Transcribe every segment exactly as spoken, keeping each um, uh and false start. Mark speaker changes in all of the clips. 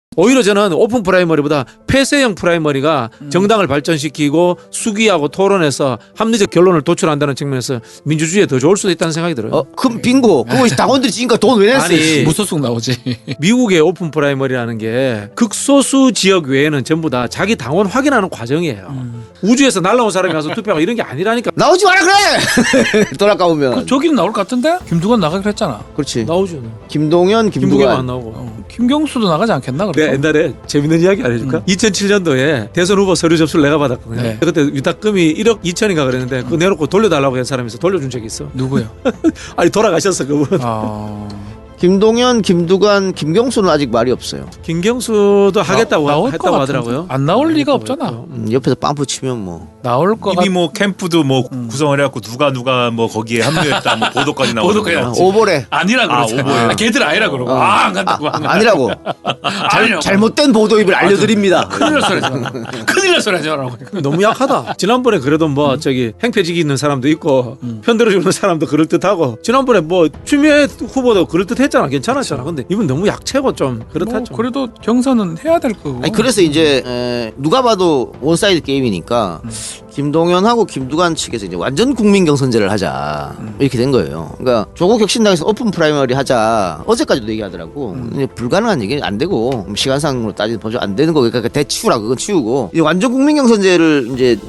Speaker 1: 오히려 저는 오픈 프라이머리보다 폐쇄형 프라이머리가 음. 정당을 발전시키고 수기하고 토론해서 합리적 결론을 도출한다는 측면에서 민주주의에 더 좋을 수도 있다는 생각이 들어요.
Speaker 2: 어, 그럼 빙고. 그거 당원들이 지니까 돈 왜 냈어?
Speaker 1: 아니,
Speaker 3: 무소속 나오지.
Speaker 1: 미국의 오픈 프라이머리라는 게 극소수 지역 외에는 전부 다 자기 당원 확인하는 과정이에요. 음. 우주에서 날라온 사람이 가서 투표하고 이런 게 아니라니까.
Speaker 2: 나오지 마라 그래. 돌아가보면.
Speaker 3: 저기는 나올 것 같은데? 김두관 나가기로 했잖아.
Speaker 2: 그렇지.
Speaker 1: 나오죠.
Speaker 2: 김동연, 김두관.
Speaker 1: 김부겸 안 나오고.
Speaker 3: 어, 김경수도 나가지 않겠나? 그래서?
Speaker 1: 내가 옛날에 재밌는 이야기 알려줄까? 음. 이천칠 년도에 대선 후보 서류 접수를 내가 받았거든요.
Speaker 3: 네.
Speaker 1: 그때 위탁금이 일억 이천인가 그랬는데 그거 내놓고 돌려달라고 한 사람이 있어. 돌려준 적이 있어.
Speaker 3: 누구요?
Speaker 1: 아니 돌아가셨어 그분.
Speaker 3: 아...
Speaker 2: 김동연, 김두관, 김경수는 아직 말이 없어요.
Speaker 1: 김경수도 하겠다고
Speaker 3: 나올
Speaker 1: 했다고
Speaker 3: 것
Speaker 1: 하더라고요.
Speaker 3: 안 나올 리가 없잖아.
Speaker 2: 음, 옆에서 빵프 치면 뭐.
Speaker 3: 나올 거
Speaker 4: 이미 뭐 캠프도 뭐 음. 구성을 해갖고 누가 누가 뭐 거기에 합류했다 뭐 보도까지 나오고.
Speaker 3: 보도까지
Speaker 2: 아, 오보래.
Speaker 3: 아니라 그러지.
Speaker 4: 아, 오보래.
Speaker 3: 아, 걔들 아니라 그러고.
Speaker 2: 어.
Speaker 3: 아, 안 간다고.
Speaker 2: 아, 아, 아니라고. 잘, 잘못된 보도입을 알려드립니다.
Speaker 3: 큰일 날 소리 하지 마라. 큰일 날 소리 하지 마라고.
Speaker 1: 너무 약하다. 지난번에 그래도 뭐 음. 저기 행패지기 있는 사람도 있고 음. 편들어주는 사람도 그럴듯하고 지난번에 뭐 추미애 후보도 그럴듯했잖아. 괜찮았잖아. 근데 이분 너무 약체고 좀 그렇다죠.
Speaker 3: 뭐 그래도 경선은 해야 될 거고.
Speaker 2: 아니, 그래서 이제 에, 누가 봐도 원사이드 게임이니까 음. 김동연하고 김두관 측에서 이제 완전 국민 경선제를 하자 음. 이렇게 된 거예요. 그러니까 조국 혁신당에서 오픈 프라이머리 하자 어제까지도 얘기하더라고. 음. 근데 불가능한 얘기는 안 되고 시간상으로 따지면 보죠 안 되는 거 그러니까 대치우라 그건 치우고 이제 완전 국민 경선제를 이제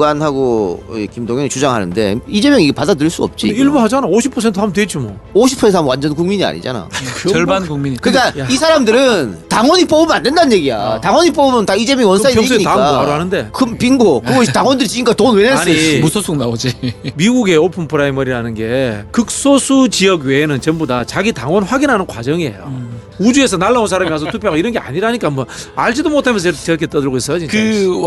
Speaker 2: 김두관하고 김동연이 주장하는데 이재명이 이게 받아들일 수 없지.
Speaker 1: 일부 하잖아. 오십 퍼센트 하면 되지 뭐.
Speaker 2: 오십 퍼센트 하면 완전 국민이 아니잖아.
Speaker 3: 절반 국민이.
Speaker 2: 그러니까
Speaker 1: 야.
Speaker 2: 이 사람들은 당원이 뽑으면 안 된다는 얘기야. 어. 당원이 뽑으면 다 이재명 원사이드
Speaker 1: 평소에
Speaker 2: 얘기니까.
Speaker 1: 당원 바로 하는데.
Speaker 2: 그럼 빙고. 그거 당원들이 지니까 돈 왜 냈어?
Speaker 1: 아니,
Speaker 3: 무소속 나오지.
Speaker 1: 미국의 오픈 프라이머리라는 게 극소수 지역 외에는 전부 다 자기 당원 확인하는 과정이에요. 음. 우주에서 날라온 사람이 가서 투표하고 이런 게 아니라니까 뭐 알지도 못하면서 저렇게 떠들고 있어요. 진짜.
Speaker 3: 그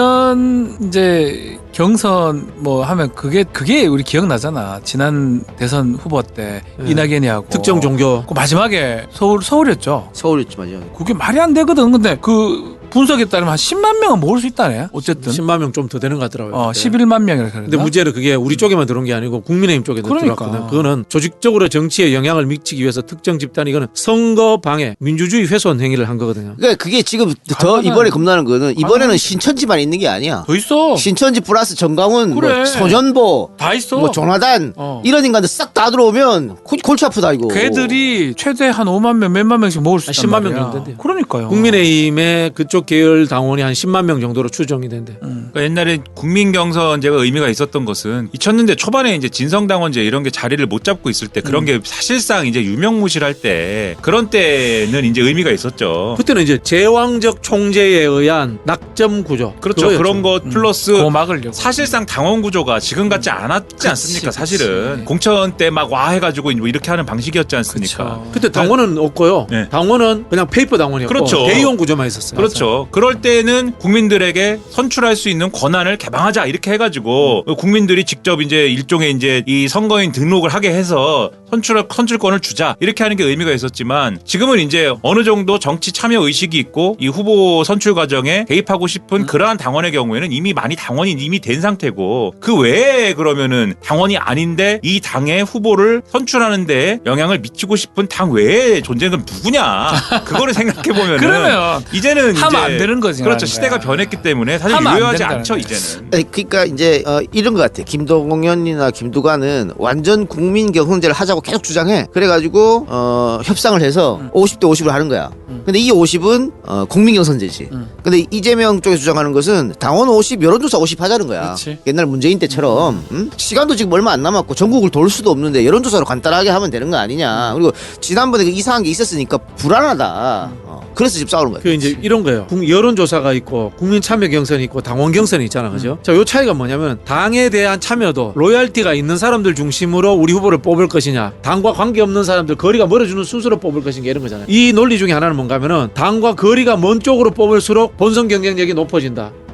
Speaker 3: 완전 이제 경선 뭐 하면 그게 그게 우리 기억나잖아. 지난 대선 후보 때
Speaker 1: 네.
Speaker 3: 이낙연이 하고
Speaker 1: 특정 종교.
Speaker 3: 그 마지막에 서울 서울이었죠.
Speaker 2: 서울이었지 맞아.
Speaker 3: 그게 말이 안 되거든. 근데 그 분석에 따르면 한 십만 명은 모을 수 있다네. 어쨌든
Speaker 1: 십만 명 좀 더 되는 것 같더라고요.
Speaker 3: 어,
Speaker 1: 그때.
Speaker 3: 십일만 명이라 그랬나?
Speaker 1: 근데 문제는 그게 우리 쪽에만 들어온 게 아니고 국민의힘 쪽에도
Speaker 3: 그러니까.
Speaker 1: 들어왔거든. 그거는 조직적으로 정치에 영향을 미치기 위해서 특정 집단이 이거는 선거 방해, 민주주의 훼손 행위를 한 거거든요.
Speaker 2: 그러니까 그게 지금 더 이번에 겁나는 거는 이번에는 신천지만 있는 게 아니야.
Speaker 3: 더 있어.
Speaker 2: 신천지 플러스 정강훈,
Speaker 3: 그래.
Speaker 2: 뭐 소년보,
Speaker 3: 다 있어.
Speaker 2: 뭐 조나단
Speaker 3: 어.
Speaker 2: 이런 인간들 싹 다 들어오면 골- 골치 아프다 이거.
Speaker 3: 걔들이 최대 한 오만 명, 몇만 명씩 모을 수
Speaker 1: 한
Speaker 3: 있단
Speaker 1: 십만 명
Speaker 3: 말이야.
Speaker 1: 정도 된대요.
Speaker 3: 그러니까요.
Speaker 1: 국민의힘의 그쪽 계열 당원이 한 십만 명 정도로 추정이 된대.
Speaker 3: 음.
Speaker 4: 그러니까 옛날에 국민경선제가 의미가 있었던 것은 이천 년대 초반에 이제 진성당원제 이런 게 자리를 못 잡고 있을 때 그런
Speaker 1: 음.
Speaker 4: 게 사실상 이제 유명무실할 때 그런 때는 이제 의미가 있었죠.
Speaker 1: 그때는 이제 제왕적 총재에 의한 낙점 구조.
Speaker 4: 그렇죠.
Speaker 1: 그거였죠.
Speaker 4: 그런 것 플러스
Speaker 3: 그거 막으려고.
Speaker 4: 사실상 당원 구조가 지금 같지 않았지 않습니까?
Speaker 1: 그치,
Speaker 4: 사실은
Speaker 1: 그치.
Speaker 4: 공천 때 막 와 해가지고 뭐 이렇게 하는 방식이었지 않습니까?
Speaker 3: 그쵸.
Speaker 1: 그때 당원은 없고요.
Speaker 4: 네.
Speaker 1: 당원은 그냥 페이퍼 당원이었고
Speaker 4: 그렇죠.
Speaker 1: 대의원 구조만 있었어요.
Speaker 4: 그렇죠. 그럴 때는 국민들에게 선출할 수 있는 권한을 개방하자 이렇게 해가지고
Speaker 1: 음.
Speaker 4: 국민들이 직접 이제 일종의 이제 이 선거인 등록을 하게 해서 선출 선출권을 주자 이렇게 하는 게 의미가 있었지만 지금은 이제 어느 정도 정치 참여 의식이 있고 이 후보 선출 과정에 개입하고 싶은
Speaker 1: 음.
Speaker 4: 그러한 당원의 경우에는 이미 많이 당원이 이미 된 상태고 그 외에 그러면은 당원이 아닌데 이 당의 후보를 선출하는데 영향을 미치고 싶은 당 외에 존재는 그럼 누구냐 그거를 생각해 보면은
Speaker 3: 그러면
Speaker 4: 이제는
Speaker 3: 하면
Speaker 4: 이제
Speaker 3: 안 되는 거지.
Speaker 4: 그렇죠.
Speaker 3: 말하는
Speaker 4: 시대가
Speaker 3: 거야.
Speaker 4: 변했기 때문에 사실
Speaker 3: 하면 안
Speaker 4: 유효하지
Speaker 3: 된다는
Speaker 4: 않죠
Speaker 3: 거야.
Speaker 4: 이제는.
Speaker 2: 아니, 그러니까 이제 어, 이런 것 같아. 김동연이나 김두관은 완전 국민 경선제를 하자고 계속 주장해. 그래가지고 어, 협상을 해서
Speaker 3: 음.
Speaker 2: 오십 대 오십을 하는 거야.
Speaker 3: 음.
Speaker 2: 근데 이 오십은 어, 국민 경선제지.
Speaker 3: 음.
Speaker 2: 근데 이재명 쪽에서 주장하는 것은 당원 오십, 여론조사 오십 하자는 거야.
Speaker 3: 그치.
Speaker 2: 옛날 문재인 때처럼 음? 시간도 지금 얼마 안 남았고 전국을 돌 수도 없는데 여론조사로 간단하게 하면 되는 거 아니냐. 그리고 지난번에 그 이상한 게 있었으니까 불안하다. 어, 그래서 지금 싸우는 거야.
Speaker 1: 그 이제 이런 거예요. 국- 여론조사가 있고 국민 참여 경선이 있고 당원 경선이 있잖아, 그죠? 자, 요 차이가 뭐냐면 당에 대한 참여도 로열티가 있는 사람들 중심으로 우리 후보를 뽑을 것이냐, 당과 관계 없는 사람들 거리가 멀어지는 순서로 뽑을 것인가 이런 거잖아요. 이 논리 중에 하나는 뭔가면은 당과 거리가 먼 쪽으로 뽑을수록 본선 경쟁력이 높아진다.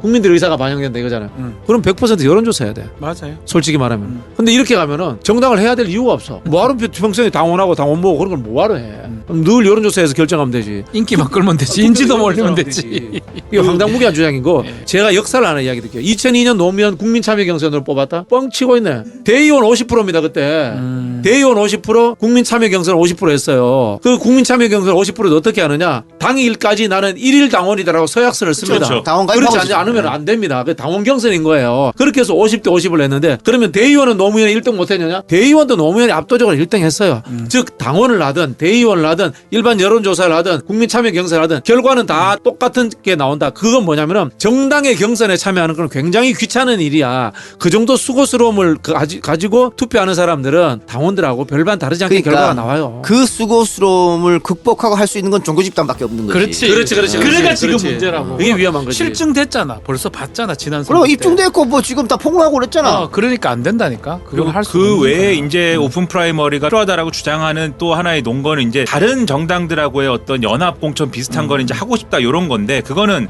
Speaker 1: 국민들의 의사가 반영된다 이거잖아요.
Speaker 3: 음.
Speaker 1: 그럼 백 퍼센트 여론조사 해야 돼.
Speaker 3: 맞아요.
Speaker 1: 솔직히 말하면.
Speaker 3: 음.
Speaker 1: 근데 이렇게 가면은 정당을 해야 될 이유가 없어. 뭐하러 평소에 당원하고 당원 모으고 그런 걸 뭐하러 해.
Speaker 3: 음.
Speaker 1: 그럼 늘 여론조사에서 결정하면 되지.
Speaker 3: 인기만 끌면 되지. 인지도만 올리면 되지.
Speaker 1: 이게 황당무계한 주장인 거.
Speaker 3: 예.
Speaker 1: 제가 역사를 하나 이야기 드릴게요. 이천이 년 노무현 국민참여경선으로 뽑았다. 뻥치고 있네. 대의원 오십 퍼센트입니다 그때.
Speaker 3: 음.
Speaker 1: 대의원 오십 퍼센트 국민참여경선 오십 퍼센트 했어요. 그 국민참여경선 오십 퍼센트를 어떻게 하느냐. 당일까지 나는 일일 당원이다라고 서약서를 씁니다.
Speaker 4: 그렇죠.
Speaker 2: 당원
Speaker 1: 그렇지
Speaker 2: 가입하고
Speaker 1: 않-
Speaker 2: 있어요.
Speaker 1: 않으면 안 됩니다. 그 당원 경선인 거예요. 그렇게 해서 오십 대 오십을 했는데 그러면 대의원은 노무현이 일 등 못했느냐? 대의원도 노무현이 압도적으로 일 등 했어요.
Speaker 3: 음.
Speaker 1: 즉 당원을 하든 대의원을 하든 일반 여론조사를 하든 국민참여 경선을 하든 결과는 다 똑같은 게 나온다. 그건 뭐냐면은 정당의 경선에 참여하는 건 굉장히 귀찮은 일이야. 그 정도 수고스러움을 그 가지, 가지고 투표하는 사람들은 당원들하고 별반 다르지 않게
Speaker 2: 그러니까
Speaker 1: 결과가 나와요.
Speaker 2: 그 수고스러움을 극복하고 할 수 있는 건 종교 집단밖에 없는 거지.
Speaker 3: 그렇지.
Speaker 1: 그렇지, 그렇지,
Speaker 3: 그러니까
Speaker 1: 그렇지,
Speaker 3: 지금
Speaker 1: 그렇지.
Speaker 3: 문제라고.
Speaker 1: 그게 위험한 거지.
Speaker 3: 실증됐잖아. 벌써 봤잖아. 지난
Speaker 2: 그럼
Speaker 3: 선거 때.
Speaker 2: 입증됐고 뭐 지금 다 폭로하고 그랬잖아.
Speaker 3: 어, 그러니까 안 된다니까. 그걸
Speaker 4: 그리고
Speaker 3: 할수
Speaker 4: 그 외에 이제 오픈 프라이머리가 필요하다라고 주장하는 또 하나의 논거는 이제 다른 정당들하고의 어떤 연합 공천 비슷한 거는 이제 하고 싶다 이런 건데 그거는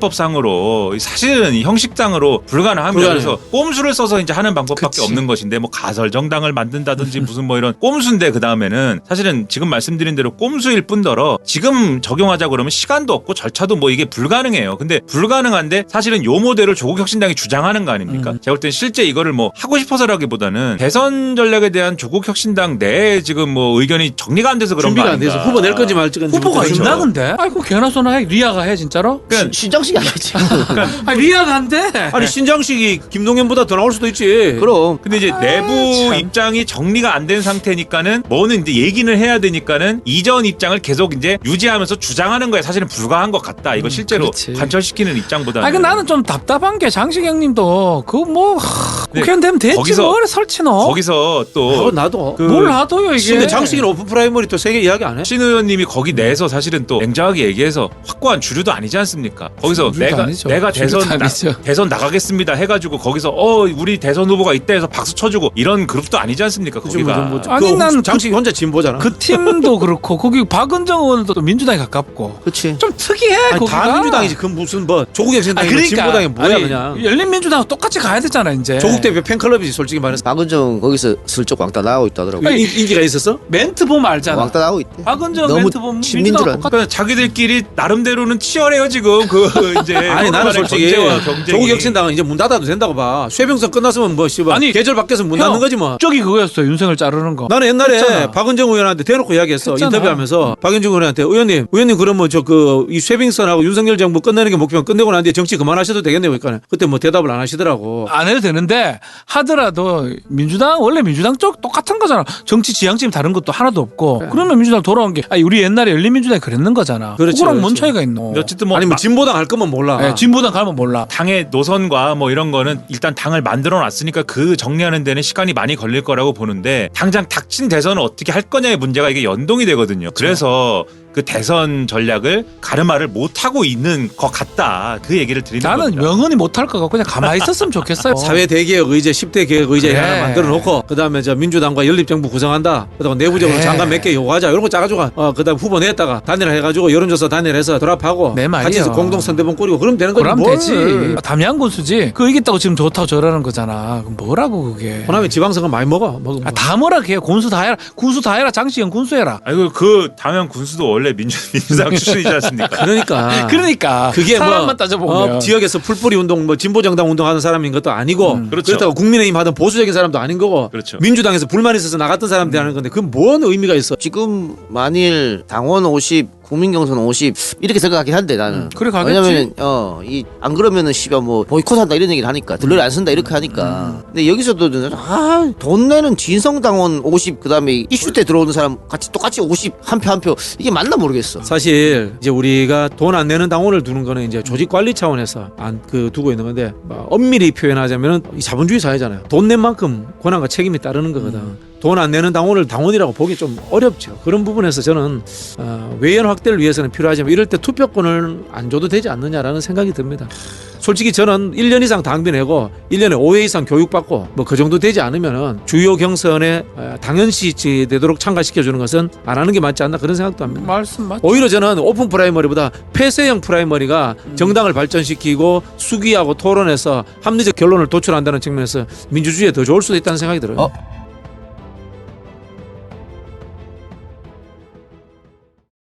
Speaker 4: 정당법상으로 사실은 형식상으로 불가능합니다.
Speaker 1: 불가능해요.
Speaker 4: 그래서 꼼수를 써서 이제 하는 방법밖에
Speaker 3: 그치.
Speaker 4: 없는 것인데 뭐 가설 정당을 만든다든지 무슨 뭐 이런 꼼수인데 그 다음에는 사실은 지금 말씀드린 대로 꼼수일 뿐더러 지금 적용하자 그러면 시간도 없고 절차도 뭐 이게 불가능해요. 근데 불가능한데 사실은 요 모델을 조국혁신당이 주장하는 거 아닙니까?
Speaker 3: 음.
Speaker 4: 제가 볼 땐 실제 이거를 뭐 하고 싶어서라기보다는 대선 전략에 대한 조국혁신당 내에 지금 뭐 의견이 정리가 안 돼서 그런
Speaker 1: 준비가
Speaker 4: 거
Speaker 1: 안 돼서
Speaker 4: 아닌가.
Speaker 1: 후보 낼 건지 말 건지
Speaker 3: 후보가
Speaker 1: 모르겠죠.
Speaker 3: 있나 근데? 아이고 개나 소나 해. 리아가 해 진짜로?
Speaker 4: 그러니까
Speaker 2: 시- 신장식이 아니지.
Speaker 3: 아 리아가 한대.
Speaker 1: 아니 신장식이 김동연보다 더 나올 수도 있지.
Speaker 2: 그럼
Speaker 4: 근데 이제 내부
Speaker 3: 참.
Speaker 4: 입장이 정리가 안 된 상태니까는 뭐는 이제 얘기는 해야 되니까는 이전 입장을 계속 이제 유지하면서 주장하는 거에 사실은 불과한 것 같다. 이거 실제로
Speaker 3: 그렇지.
Speaker 4: 관철시키는 입장보다는.
Speaker 3: 아니 그 나는 좀 답답한 게 장식형님도 그뭐 국회의원 되면 됐지
Speaker 4: 거기서-
Speaker 3: 뭘 설치 넣어?
Speaker 4: 거기서
Speaker 1: 아,
Speaker 4: 또
Speaker 1: 나도.
Speaker 4: 그
Speaker 3: 뭘 하도요 이게?
Speaker 1: 근데 장식이는 오픈 프라이머리 또 세계 이야기 안 해?
Speaker 4: 신 의원님이 거기 내에서 사실은 또 냉정하게 얘기해서 확고한 주류도 아니지 않습니까? 거기서
Speaker 3: 주류도
Speaker 4: 내가
Speaker 3: 아니죠.
Speaker 4: 내가
Speaker 3: 주류도
Speaker 4: 대선 나,
Speaker 3: 아니죠.
Speaker 4: 대선 나가겠습니다 해가지고 거기서 어 우리 대선 후보가 있다 해서 박수 쳐주고 이런 그룹도 아니지 않습니까?
Speaker 1: 그치,
Speaker 4: 거기가.
Speaker 1: 뭐, 뭐,
Speaker 3: 아니,
Speaker 1: 그
Speaker 3: 난
Speaker 1: 장식이 혼자 진보잖아.
Speaker 3: 그 팀도 그렇고 거기 박은정 의원도 또 민주당에 가깝고
Speaker 2: 그렇지.
Speaker 3: 좀 특이해
Speaker 1: 아니,
Speaker 3: 거기가.
Speaker 1: 다 민주당이지. 그 무슨 뭐 조국
Speaker 3: 아,
Speaker 1: 혁신당이
Speaker 3: 그러니까
Speaker 1: 진보당이 뭐야
Speaker 3: 아니,
Speaker 1: 그냥.
Speaker 3: 열린민주당 똑같이 가야 되잖아 이제.
Speaker 1: 조국 대표 팬클럽이지 솔직히 말해서.
Speaker 2: 박은정 거기서 슬쩍 왕따 나오고 있다더라고.
Speaker 3: 아니,
Speaker 1: 인, 인기가 있었어?
Speaker 3: 멘트 보면 알잖아.
Speaker 2: 왕따 나오고 있대.
Speaker 3: 박은정
Speaker 2: 너무
Speaker 3: 멘트 보면
Speaker 2: 친민
Speaker 3: 민주당
Speaker 2: 줄
Speaker 3: 똑같아.
Speaker 4: 그러니까 자기들끼리 나름대로는 치열해요 지금 그 이제
Speaker 1: 아니 나는 솔직히
Speaker 4: 경제와 경쟁이.
Speaker 1: 조국 혁신당은 이제 문 닫아도 된다고 봐. 쇠병선 끝났으면 뭐 씨발
Speaker 3: 아니,
Speaker 1: 계절 바뀌어서 문
Speaker 3: 형,
Speaker 1: 닫는 거지 뭐.
Speaker 3: 저기 그거였어 윤석열 자르는 거.
Speaker 1: 나는 옛날에
Speaker 3: 했잖아.
Speaker 1: 박은정 의원한테 대놓고 이야기했어.
Speaker 3: 했잖아.
Speaker 1: 인터뷰하면서 박은정 의원한테 의원님, 의원님 그러면 저 그 이 쇠빙선하고 윤석열 정부 끝내는 게 목표면 끝내고 난 뒤에 정치 그만하셔도 되겠네요. 그러니까 그때 뭐 대답을 안 하시더라고.
Speaker 3: 안 해도 되는데 하더라도 민주당 원래 민주당 쪽 똑같은 거잖아. 정치 지향점이 다른 것도 하나도 없고.
Speaker 1: 그래.
Speaker 3: 그러면 민주당 돌아온 게 아니 우리 옛날에 열린민주당이 그랬는 거잖아.
Speaker 1: 그렇지,
Speaker 3: 그거랑 뭔
Speaker 1: 그렇지.
Speaker 3: 차이가 있노?
Speaker 4: 근데 어쨌든 뭐
Speaker 1: 아니 뭐
Speaker 4: 마-
Speaker 1: 진보당 할 거면 몰라.
Speaker 3: 예, 진보당 가면 몰라.
Speaker 4: 당의 노선과 뭐 이런 거는 일단 당을 만들어 놨으니까 그 정리하는 데는 시간이 많이 걸릴 거라고 보는데 당장 닥친 대선을 어떻게 할 거냐의 문제가 이게 연동이 되거든요. 그래서 그 대선 전략을 가르마를 못 하고 있는 것 같다. 그 얘기를 드리는
Speaker 3: 나는
Speaker 4: 겁니다.
Speaker 3: 명언이 못할 거 같고 그냥 가만히 있었으면 좋겠어요.
Speaker 1: 사회 대개혁 의제 십 대 개혁 의제
Speaker 3: 그래.
Speaker 1: 하나 만들어 놓고 그다음에 저 민주당과 연립정부 구성한다. 그다음 내부적으로
Speaker 3: 그래.
Speaker 1: 장관 몇 개 요구하자. 이런 거 짜가지고 어 그다음 후보 냈다가 단일화 해가지고 여론조사 단일해서 드랍하고
Speaker 3: 내 말이야.
Speaker 1: 같이 공동 선대본 꾸리고 그러면 되는 거지.
Speaker 3: 그럼
Speaker 1: 뭘.
Speaker 3: 되지. 담양 군수지. 그 이겼다고 지금 좋다고 저러는 거잖아. 그럼 뭐라고 그게?
Speaker 1: 호남이 지방선거 많이 먹어. 먹으면
Speaker 3: 아, 다 뭐라 해. 군수 다 해라. 군수 다 해라. 장시영 군수 해라.
Speaker 4: 아이고 그 당연 군수도 원래 민주 민주당 출신이지 않습니까?
Speaker 1: 그러니까.
Speaker 3: 그러니까
Speaker 1: 그게
Speaker 3: 사람만
Speaker 1: 뭐
Speaker 3: 따져보면
Speaker 1: 어, 지역에서 풀뿌리 운동, 뭐 진보 정당 운동하는 사람인 것도 아니고
Speaker 3: 음.
Speaker 4: 그렇죠.
Speaker 1: 그렇다고 국민의힘 하던 보수적인 사람도 아닌 거고
Speaker 4: 그렇죠.
Speaker 1: 민주당에서 불만 있어서 나갔던 사람들이 하는 건데 그건 뭔 의미가 있어?
Speaker 2: 지금 만일 당원 오십 국민경선 오십 이렇게 생각하긴 한데 나는
Speaker 3: 음, 그래 가겠지.
Speaker 2: 왜냐면 어이 안 그러면은 씨발 뭐 보이콧한다 이런 얘기를 하니까 들러리 안 쓴다 이렇게 하니까 근데 여기서도 아돈 내는 진성당원 오십 그다음에 이슈 때 들어오는 사람 같이 똑같이 오십 한 표 한 표 이게 맞나 모르겠어.
Speaker 1: 사실 이제 우리가 돈 안 내는 당원을 두는 거는 이제 조직 관리 차원에서 안 그 두고 있는 건데 뭐 엄밀히 표현하자면은 이 자본주의 사회잖아요. 돈 낸 만큼 권한과 책임이 따르는 거거든. 돈 안 내는 당원을 당원이라고 보기 좀 어렵죠. 그런 부분에서 저는 어, 외연 확 확대를 위해서는 필요하지만 이럴 때 투표권을 안 줘도 되지 않느냐라는 생각이 듭니다. 솔직히 저는 일 년 이상 당비 내고 일 년에 오 회 이상 교육받고 뭐 그 정도 되지 않으면은 주요 경선에 당연시 되도록 참가시켜주는 것은 안 하는 게 맞지 않나 그런 생각도 합니다.
Speaker 3: 말씀 맞.
Speaker 1: 오히려 저는 오픈 프라이머리보다 폐쇄형 프라이머리가 정당을 발전시키고 수기하고 토론해서 합리적 결론을 도출한다는 측면에서 민주주의에 더 좋을 수도 있다는 생각이 들어요.
Speaker 2: 어?